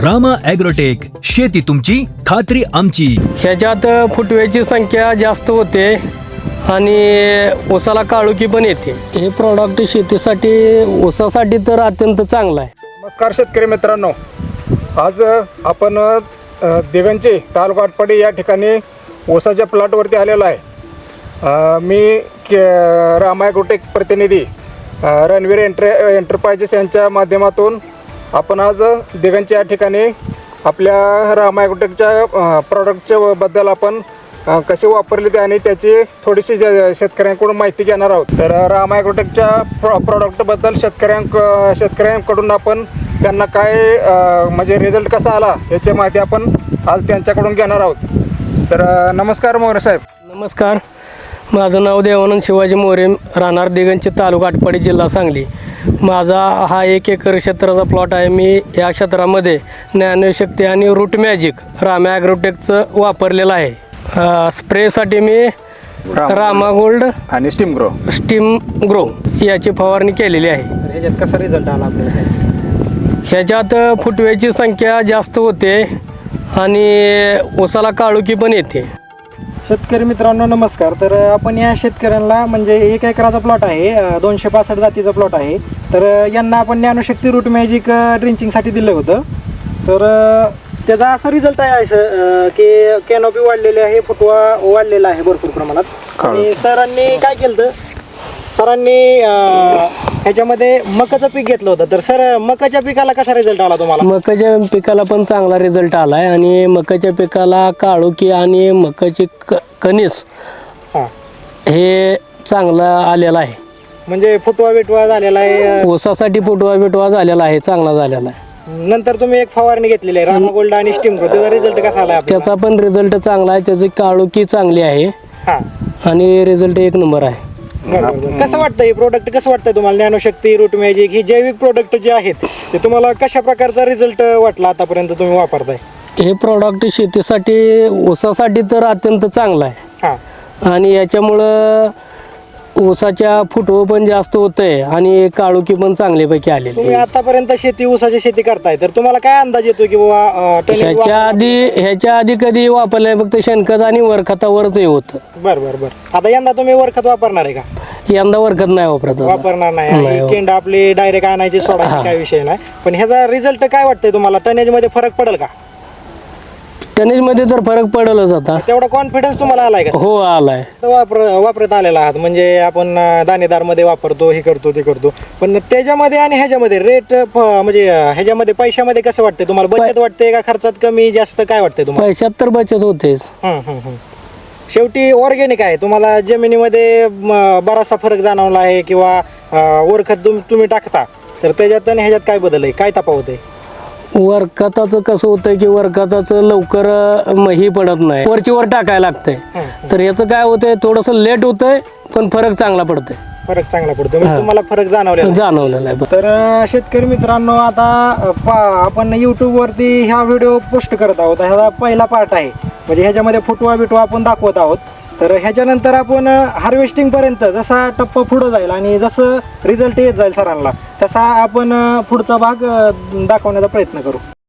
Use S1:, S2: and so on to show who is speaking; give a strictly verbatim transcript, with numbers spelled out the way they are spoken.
S1: Rama agrotech, शेती तुमची खात्री आमची.
S2: ह्याच्यात फुटव्याची संख्या जास्त होते आणि ऊसाला काळुकी पण येते. हे प्रॉडक्ट शेतीसाठी ऊसासाठी तर अत्यंत चांगलं आहे.
S3: नमस्कार शेतकरी मित्रांनो, आज आपण दिगंची तालुका आटपाडी या ठिकाणी ऊसाच्या प्लॉटवरती आलेलो आहे. मी के रामा ॲग्रोटेक प्रतिनिधी रणवीर एंटर एंटरप्राइजेस यांच्या माध्यमातून आपण आज दिगंची या ठिकाणी आपल्या रामा ॲग्रोटेकच्या प्रॉडक्टच्या बद्दल आपण कसे वापरले ते आणि त्याची थोडीशी शेतकऱ्यांकडून माहिती घेणार आहोत. तर रामा ॲग्रोटेकच्या प्रॉ प्रॉडक्टबद्दल शेतकऱ्यांक शेतकऱ्यांकडून आपण त्यांना काय म्हणजे रिझल्ट कसा आला याची माहिती आपण आज त्यांच्याकडून घेणार आहोत. तर नमस्कार मोरे साहेब.
S2: नमस्कार, माझं नाव देवानंद शिवाजी मोरे, राहणार दिगंची तालुका आटपाडी जिल्हा सांगली. माझा हा एक एकर क्षेत्राचा प्लॉट आहे. मी या क्षेत्रामध्ये ज्ञानशक्ती आणि रूट मॅजिक रामा ॲग्रोटेकचं वापरलेलं आहे. स्प्रेसाठी मी रामा गोल्ड
S3: आणि स्टीम ग्रो
S2: स्टीम ग्रो याची फवारणी केलेली आहे.
S3: ह्याच्यात कसा रिझल्ट आला आपल्याला?
S2: ह्याच्यात फुटव्याची संख्या जास्त होते आणि ऊसाला काळुकी पण येते.
S4: शेतकरी मित्रांनो नमस्कार. तर आपण या शेतकऱ्यांना म्हणजे एक एकराचा प्लॉट आहे, दोनशे पासष्ट जातीचा प्लॉट आहे. तर यांना आपण ज्ञानशक्ती रूट मॅजिक ड्रिंचिंगसाठी दिलं होतं. तर त्याचा असा रिझल्ट आहे असं की कॅनोपी वाढलेली आहे, फुटवा वाढलेला आहे भरपूर प्रमाणात. आणि सरांनी काय केलं तर सरांनी ह्याच्यामध्ये मकाचं पीक घेतलं होतं. तर सर मकाच्या पिकाला कसा रिझल्ट आला तुम्हाला?
S2: मकाच्या पिकाला पण चांगला रिझल्ट आला आहे आणि मकाच्या पिकाला काळुकी आणि मकाची क कणीस
S4: हां
S2: हे चांगलं आलेलं आहे.
S4: म्हणजे फुटवा बिटवा झालेला आहे.
S2: ऊसासाठी फुटवा बिटवा झालेला आहे, चांगला झालेला आहे.
S4: नंतर तुम्ही एक फवारणी घेतलेली आहे रामा गोल्ड आणि स्टीम ग्रो, त्याचा रिझल्ट कसा आला?
S2: त्याचा पण रिझल्ट चांगला आहे. त्याची काळुकी चांगली आहे
S4: हां
S2: आणि रिझल्ट एक नंबर आहे.
S4: कसं वाटतं हे प्रोडक्ट, कसं वाटतंय तुम्हाला? ज्ञानशक्ती रूट मॅजिक ही जैविक प्रोडक्ट जे आहेत ते तुम्हाला कशा प्रकारचा रिझल्ट वाटला आतापर्यंत तुम्ही वापरताय?
S2: हे प्रॉडक्ट शेतीसाठी ऊसासाठी तर अत्यंत चांगलं आहे
S4: हां
S2: आणि याच्यामुळं ऊसाच्या फुटवं पण जास्त होतंय आणि काळुकी पण चांगल्यापैकी आलेली
S4: तुम्ही
S2: आहे.
S4: आतापर्यंत शेती ऊसाची शेती करताय, तर तुम्हाला काय अंदाज येतो की बाबा टनेज
S2: ह्याच्या आधी ह्याच्या आधी कधी वापरलंय फक्त शेणखत आणि वरखतावरच हे होतं.
S4: बर बर बर आता यंदा तुम्ही वरखत वापरणार आहे का?
S2: यंदा वरखत नाही वापरत आता.
S4: वापरणार नाही.
S2: नाही.
S4: ही केंड आपली डायरेक्ट आणायची सोडायची काय विषय नाही. पण ह्याचा रिझल्ट काय वाटतंय तुम्हाला? टनेज मध्ये फरक पडेल का?
S2: टनेज मध्ये तर फरक पडेलच आता.
S4: तेवढा कॉन्फिडन्स तुम्हाला आलाय का?
S2: हो आलाय.
S4: वापर वापरत आलेला आहात म्हणजे आपण दाणेदार मध्ये वापरतो, हे करतो ते करतो. पण त्याच्यामध्ये आणि ह्याच्यामध्ये रेट म्हणजे ह्याच्यामध्ये पैशामध्ये कसं वाटतंय तुम्हाला? बचत वाटते का खर्चात कमी जास्त काय वाटतंय तुम्हाला?
S2: पैशात तर बचत होतेच.
S4: हम्म, हम्म, हम्म. शेवटी ऑर्गॅनिक आहे. तुम्हाला जमिनीमध्ये म, बराचसा फरक जाणवला आहे किंवा वरखत तुम तुम्ही टाकता तर त्याच्यात आणि ह्याच्यात काय बदल आहे, काय तफावत आहे?
S2: वरखताचं कसं होतंय की वरखताचं लवकर म, ही पडत नाही, वरची वर टाकायला लागतंय. तर याचं काय होतंय, थोडंसं लेट होतंय पण फरक चांगला पडतोय.
S4: फरक चांगला पडतो म्हणजे तुम्हाला फरक जाणवलेला आहे.
S2: जाणवलेला आहे.
S4: तर अ, शेतकरी मित्रांनो, आता अ, पा आपण यूट्यूब वरती ह्या व्हिडिओ पोस्ट करत आहोत. ह्याचा पहिला पार्ट आहे म्हणजे ह्याच्यामध्ये फुटवा बिटवा आपण दाखवत आहोत. तर ह्याच्यानंतर आपण हार्वेस्टिंग पर्यंत जसा टप्पा पुढं जाईल आणि जसं रिझल्ट येत जाईल सरांना तसा आपण पुढचा भाग दाखवण्याचा प्रयत्न करू.